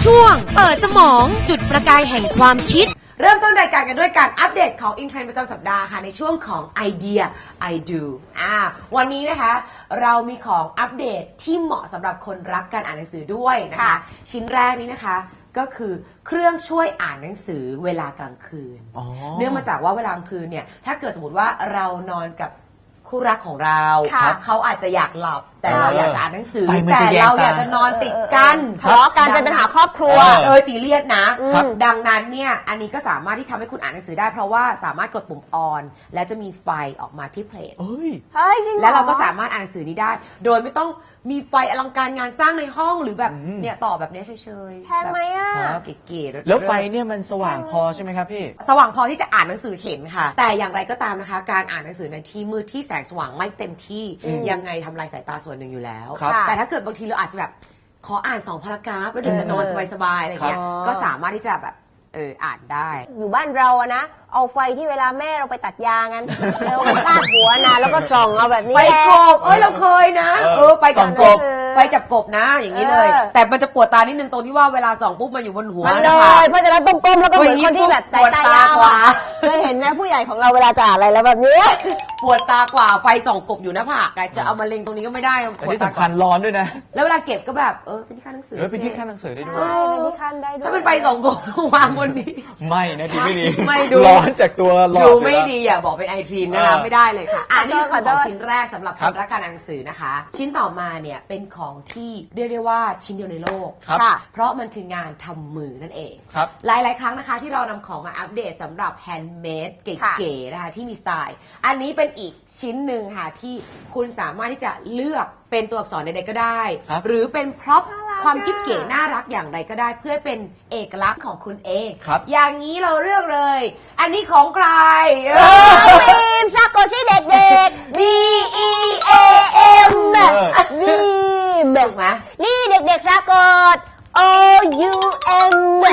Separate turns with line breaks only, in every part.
ช่วงเปิดสมองจุดประกายแห่งความคิด
เริ่มต้นรายการกันด้วยการอัปเดตของอินเทรนด์ประจำสัปดาห์ค่ะในช่วงของไอเดีย I do วันนี้นะคะเรามีของอัปเดตที่เหมาะสำหรับคนรักการอ่านหนังสือด้วยนะคะชิ้นแรกนี้นะคะก็คือเครื่องช่วยอ่านหนังสือเวลากลางคืนเนื่องมาจากว่าเวลากลางคืนเนี่ยถ้าเกิดสมมติว่าเรานอนกับคู่รักของเราเขาอาจจะอยากหลับแต่เราอยากจะอ่านหนังสือแต่เราอยากจะนอนติดกัน
ทะเลาะกันเป็นปัญหาครอบครัว
ซีเรียสนะดังนั้นเนี่ยอันนี้ก็สามารถที่ทำให้คุณอ่านหนังสือได้เพราะว่าสามารถกดปุ่มออนและจะมีไฟออกมาที่เพลทแล้วเราก็สามารถอ่านหนังสือนี้ได้โดยไม่ต้องมีไฟอลังการงานสร้างในห้องหรือแบบเนี่ยต่อแบบนี้เฉยๆ
แพงไหมอ่ะ
เก๋ๆ
แล้วไฟเนี่ยมันสว่างพอใช่ไหมครับพี่
สว่างพอที่จะอ่านหนังสือเห็นค่ะแต่อย่างไรก็ตามนะคะการอ่านหนังสือในที่มืดที่แสงสว่างไม่เต็มที่ยังไงทำลายสายตาส่วนหนึ่งอยู่แล้วแต่ถ้าเกิดบางทีเราอาจจะแบบขออ่าน2 พารากราฟแล้วเดี๋ยวจะนอนสบายๆอะไรเงี้ยก็สามารถที่จะแบบอ่านได้
อยู่บ้านเราอะนะเอาไฟที่เวลาแม่เราไปตัดยางกันเราไปคาดหัวนะแล้วก็ส่องเอาแบบนี้
ไปกบเราเคยนะไปจับกบไปจับกบนะอย่างนี้เลยแต่มันจะปวดตานิดนึงตรงที่ว่าเวลาส่องปุ๊บมันอยู่บนหัว
นะคะเพราะฉะนั้นก้มๆแล้วก็เหมือนคนที่แบบสายตายาวเคยเห็นไหมผู้ใหญ่ของเราเวลาจะอ่านอะไรแล้วแบบนี้
ปวดตากว่าไฟส่องกบอยู่หน้าผากจะเอามาเล็งตรงนี้ก็ไม่ได้
ปวดตาคันร้อนด้วยนะ
แล้วเวลาเก็บก็แบบเป็นที่ขั้นหนังสือ
เป็นที่ขั้นหนังสือได้ด้วย
ถ้าเป็นไฟส่องกบวางบนนี้
ไม่นะดีไม่ดี
ไม่ดู
ร้อนจากตัวหลอด
ดูไม่ดีอย่าบอกเป็นไอทีนนะคะไม่ได้เลยค่ะนี่คือของชิ้นแรกสำหรับคนรักการอ่านหนังสือนะคะชิ้นต่อมาเนี่ยเป็นของที่เรียกได้ว่าชิ้นเดียวในโลกเพราะมันคืองานทำมือนั่นเองหลายๆครั้งนะคะที่เรานำของมาอัปเดตสำหรับแฮนด์เมดเก๋ๆนะคะที่มีสไตล์อันนี้เป็นอีกชิ้นหนึ่งค่ะที่คุณสามารถที่จะเลือกเป็นตัวอักษรใดๆก็ได้หรือเป็นพร็อพความกิ๊บเก๋น่ารักอย่างไรก็ได้เพื่อเป็นเอกลักษณ์ของคุณเองอย่างนี้เราเลือกเลยอันนี้ของใคร
บีมชอบกดที่เด็กๆ B E A M บีม
ถูกไหม
นี่เด็กๆชอบกด O U M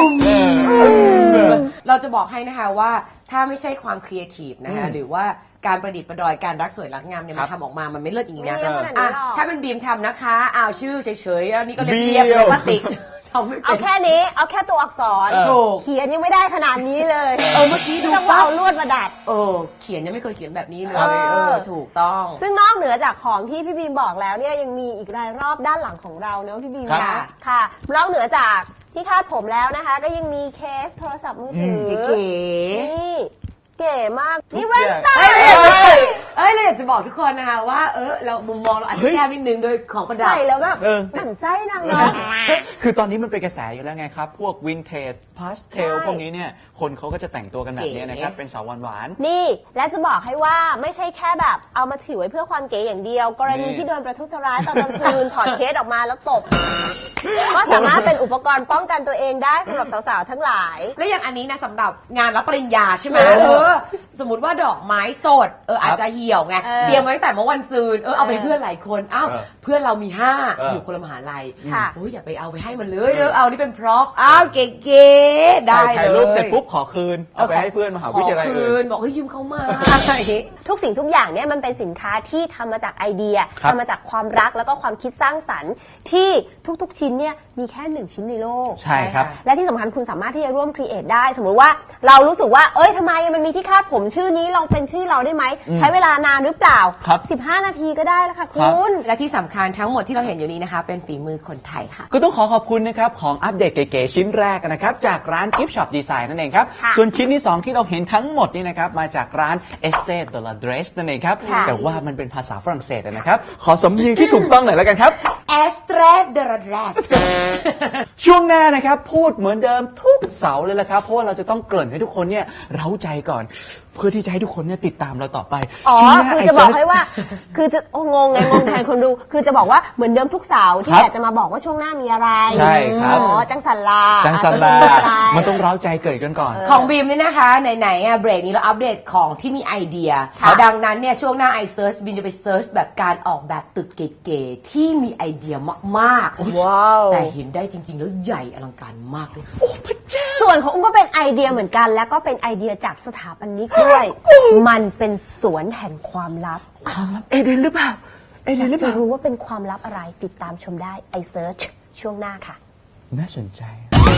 เราจะบอกให้นะคะว่าถ้าไม่ใช่ความครีเอทีฟนะคะหรือว่าการประดิษฐ์ประดอยการรักสวยรักงามเนี่ยมันทำออกมามันไม่เลิศอย่างนี้นะถ้าเป็นบีมทำนะคะชื่อเฉยๆอันนี้ก็เรียบๆเลยพลาสติก
เอาแค่นี้เอาแค่ตัวอักษรเขียนยังไม่ได้ขนาดนี้เลย
เมื่อกี้ดู
ว่าเอาลวดมาดัด
เขียนยังไม่เคยเขียนแบบนี้เลยถูกต้อง
ซึ่งนอกเหนือจากของที่พี่บีมบอกแล้วเนี่ยยังมีอีกรายรอบด้านหลังของเราเนอะพี่บีมค่ะนอกเหนือจากที่คาดผมแล้วนะคะก็ยังมีเคสโทรศัพท์มือถือ
เก๋
นี่เก๋มากนี่แว่นตา
เราอยากจะบอกทุกคนนะคะว่าเรามุมมองเราอาจจะแก้นิดนึงโดยของประดับ
ใส่แล้วแบบหมั่นไส้นางเนาะ
คือตอนนี้มันเป็นกระแสอยู่แล้วไงครับพวกวินเทจพาสเทลพวกนี้เนี่ยคนเขาก็จะแต่งตัวกันแบบนี้นะครับเป็นสาวหวาน
นี่และจะบอกให้ว่าไม่ใช่แค่แบบเอามาถือไว้เพื่อความเก๋อย่างเดียวกรณีที่โดนประทุษร้ายตอนกลางคืนถอดเคสออกมาแล้วตบก็สามารถเป็นอุปกรณ์ป้องกันตัวเองได้สำหรับสาวๆทั้งหลาย
และอย่างอันนี้นะสำหรับงานรับปริญญาใช่ไหมสมมติว่าดอกไม้สดอาจจะเหี่ยวไงเตรียมไว้ตั้งแต่เมื่อวันซืนเอาไปเพื่อนหลายคนเพื่อนเรามี5อยู่คนละมหาลัยอย่าไปเอาไปให้มันเลยเอานี่เป็นพร็อพเก๋ๆได้เลย
ถ่ายรูปเสร็จปุ๊บขอคืนเอาไปให้เพื่อนมหาวิทยาลัยอื่น
บอกยืมเขามา
ทุกสิ่งทุกอย่างเนี่ยมันเป็นสินค้าที่ทำมาจากไอเดียทำมาจากความรักแล้วก็ความคิดสร้างสรรค์ที่ทุกๆชิ้นเนี่ยมีแค่1ชิ้นในโลก
ใช่ครับ
และที่สำคัญคุณสามารถที่จะร่วมครีเอทได้สมมติว่าเรารู้สึกว่าทำไมมันมีที่คาดผมชื่อนี้ลองเป็นชื่อเราได้ไหมใช้เวลานานหรือเปล่า15 นาทีก็ได้แล้วค่ะคุณ
และที่สำคัญทั้งหมดที่เราเห็นอยู่นี้นะคะเป็นฝีมือคนไทยค่ะ
ก็ต้องขอบคุณนะครับของอัปเดตเก๋ๆชิ้นแรกนะครับจากร้าน Gift Shop Design นั่นเองครับส่วนชิ้นที่2ที่เราเห็นทั้งหมดนี้นะครับมาจากร้าน Estée de Lauder นั่นเองครับแต่ว่ามันเป็นภาษาฝรั่งเศสนะครับขอสำเนียงที่ถูกต้องหน่อยแล้วกันครับ
Estée de Lauder
ช่วงหน้านะครับพูดเหมือนเดิมทุกเสาร์เลยละครับเพราะว่าเราจะต้องเกริ่นให้ทุกคนเนี่ยเร้าใจก่อนเพื่อที่จะให้ทุกคนเนี่ยติดตามเราต่อไป
คือจะบอกให้ว่าคือจะงงแทนคนดูคือจะบอกว่าเหมือนเดิมทุกเสาร์ที่อยากจะมาบอกว่าช่วงหน้ามีอะไร
ใช่ครับ
จังสันลา
มันต้องเร้าใจเกิดกันก่อน
ของบีมนี่นะคะไหนๆเบรกนี้เราอัปเดตของที่มีไอเดียดังนั้นเนี่ยช่วงหน้าไอเซิร์ชบีมจะไปเซิร์ชแบบการออกแบบตึกเก๋ๆที่มีไอเดียมาก
ๆว้าว
แต่เห็นได้จริงๆแล้วใหญ่อลังการมากเลย
ส่วนของอุ้มก็เป็นไอเดียเหมือนกันแล้วก็เป็นไอเดียจากสถาปนิกด้วยมันเป็นสวนแห่งความลับ
เอเดนหรือเปล่า
จะรู้ว่าเป็นความลับอะไรติดตามชมได้ไอเซิร์ชช่วงหน้าค่ะ
น่าสนใจ